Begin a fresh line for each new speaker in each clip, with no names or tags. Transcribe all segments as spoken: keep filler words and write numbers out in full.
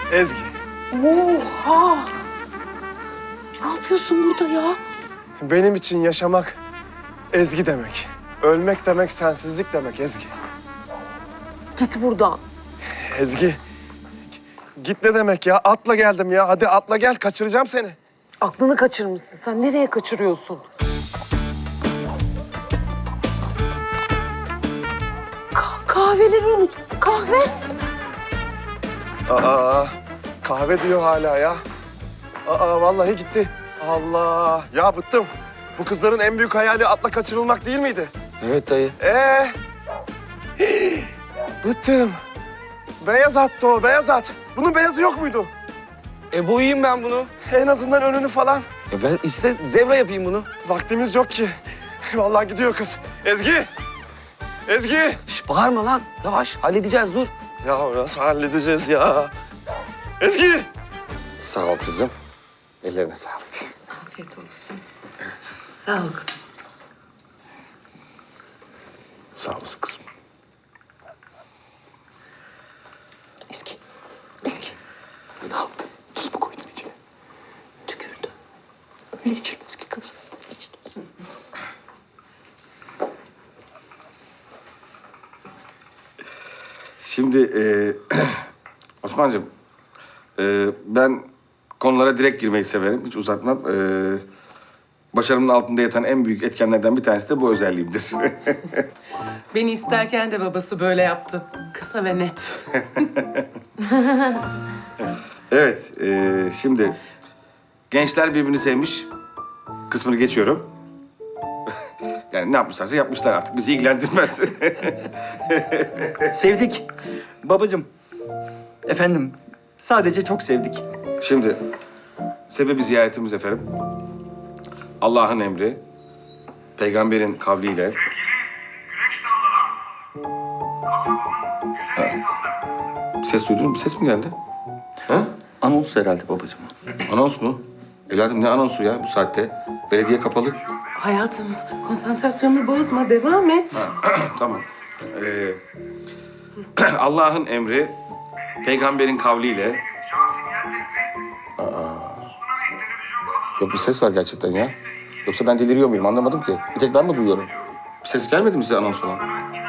Ezgi.
Oha! Ne yapıyorsun burada ya?
Benim için yaşamak Ezgi demek. Ölmek demek sensizlik demek Ezgi.
Git buradan.
Ezgi. Git ne demek ya? Atla geldim ya. Hadi atla gel. Kaçıracağım seni.
Aklını kaçırmışsın. Sen nereye kaçırıyorsun? Ka- kahveleri unut. Kahve.
Aa, kahve diyor hala ya. Aa, vallahi gitti. Allah. Ya bıktım. Bu kızların en büyük hayali atla kaçırılmak değil miydi?
Evet dayı.
Ee? Hii, bıktım. Beyaz attı o, beyaz at. Bunun beyazı yok muydu?
E boyayayım ben bunu.
En azından önünü falan.
Ya ben iste zebra yapayım bunu.
Vaktimiz yok ki. Vallahi gidiyor kız. Ezgi! Ezgi!
Şş, bağırma lan. Yavaş halledeceğiz dur.
Ya nasıl halledeceğiz ya? Ezgi!
Sağ ol kızım. Ellerine sağlık.
Afiyet olsun. Evet. Sağ ol kızım.
Sağ olasın kızım.
Eski. Eski.
Ne yaptın? Tuz mu koydun içine?
Tükürdü.
Öyle içilmez ki kız.
Şimdi e, Osman'cığım, e, ben konulara direkt girmeyi severim, hiç uzatmam. E, başarımın altında yatan en büyük etkenlerden bir tanesi de bu özelliğimdir.
Beni isterken de babası böyle yaptı. Kısa ve net.
Evet, e, şimdi gençler birbirini sevmiş kısmını geçiyorum. Yani ne yapmışlarsa yapmışlar artık, bizi ilgilendirmez.
Sevdik. Babacığım. Efendim, sadece çok sevdik.
Şimdi sebebi ziyaretimiz efendim. Allah'ın emri, peygamberin kavliyle. Ha. Bir ses duydun mu? Bir ses mi geldi? Ha?
Anons herhalde babacığım.
Anons mu? Evladım ne anonsu ya bu saatte? Belediye kapalı.
Hayatım, konsantrasyonunu bozma. Devam et.
Tamam. Ee, Allah'ın emri, peygamberin kavliyle. Aa. Yok bir ses var gerçekten ya. Yoksa ben deliriyor muyum anlamadım ki. Bir tek ben mi duyuyorum? Bir ses gelmedi mi size anons olan?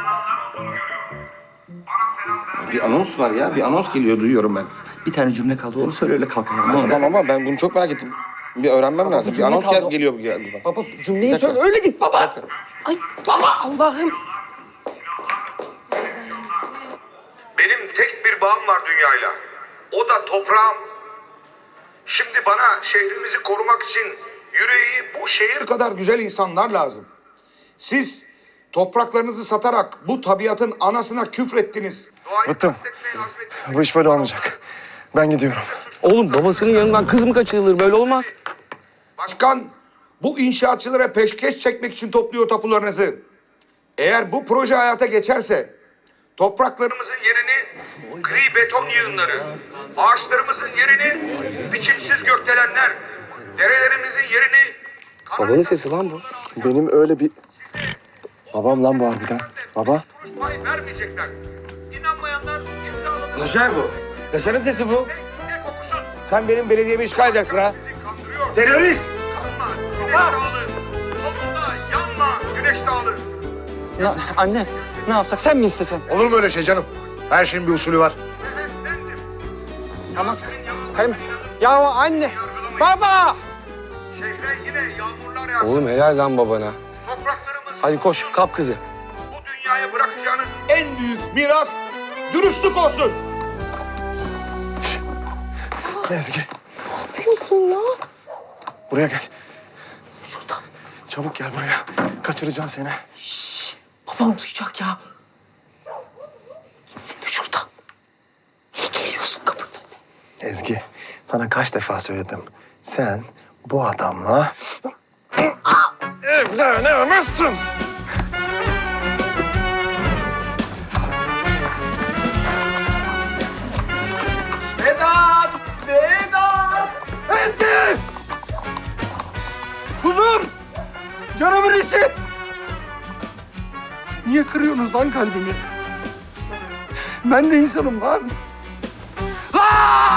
Bir anons var ya, bir anons geliyor duyuyorum ben.
Bir tane cümle kaldı, onu söyle öyle kalk ayağına.
Tamam ama ben bunu çok merak ettim. Bir öğrenmem lazım. Bir
cümle
anons
kaldı.
gel geliyor bu geldi.
Baba cümleyi
Bir dakika.
söyle, öyle git baba.
Ay baba Allah'ım.
Benim tek bir bağım var dünyayla. O da toprağım. Şimdi bana şehrimizi korumak için yüreği bu şehir kadar güzel insanlar lazım. Siz topraklarınızı satarak bu tabiatın anasına küfrettiniz.
Bıktım. Bu iş böyle olmayacak. Ben gidiyorum.
Oğlum babasının yanından kız mı kaçırılır? Böyle olmaz.
Başkan bu inşaatçılara peşkeş çekmek için topluyor tapularınızı. Eğer bu proje hayata geçerse topraklarımızın yerini gri beton yığınları, ağaçlarımızın yerini biçimsiz gökdelenler, derelerimizin yerini
Babanın sesi lan bu.
Benim öyle bir... Babam lan bu harbiden. Baba.
pay vermeyecekler. İnanmayanlar imzalanır.
Yaşar bu. Yaşar'ın sesi bu.
Tek okusun.
Sen benim belediyemi işgal edersin ha.
Bizi kandırıyor.
Terörist.
Kanma güneş dağılır. Solunda yanma güneş dağılır.
Na- anne, ne yapsak, sen mi istesen?
Olur mu öyle şey canım? Her şeyin bir usulü var.
Nefeslendim.
Tamam. Kayın. Ya anne, baba!
Şehre yine yağmurlar yağsın.
Oğlum helal lan babana.
Topraklarımız
Hadi koş kap kızı.
bu dünyaya bırakacağınız en büyük miras dürüstlük olsun.
Ezgi.
Ne yapıyorsun ya?
Buraya gel.
Şuradan.
Çabuk gel buraya. Kaçıracağım seni.
Şşş. Babam duyacak ya. Gitsene şuradan. Niye geliyorsun kapının önüne?
Ezgi, sana kaç defa söyledim. Sen bu adamla... evlenemezsin.
Vedat! Vedat!
Ezgi!
Kuzum! Canımın içi! Niye kırıyorsunuz lan kalbimi? Ben de insanım lan. Lan!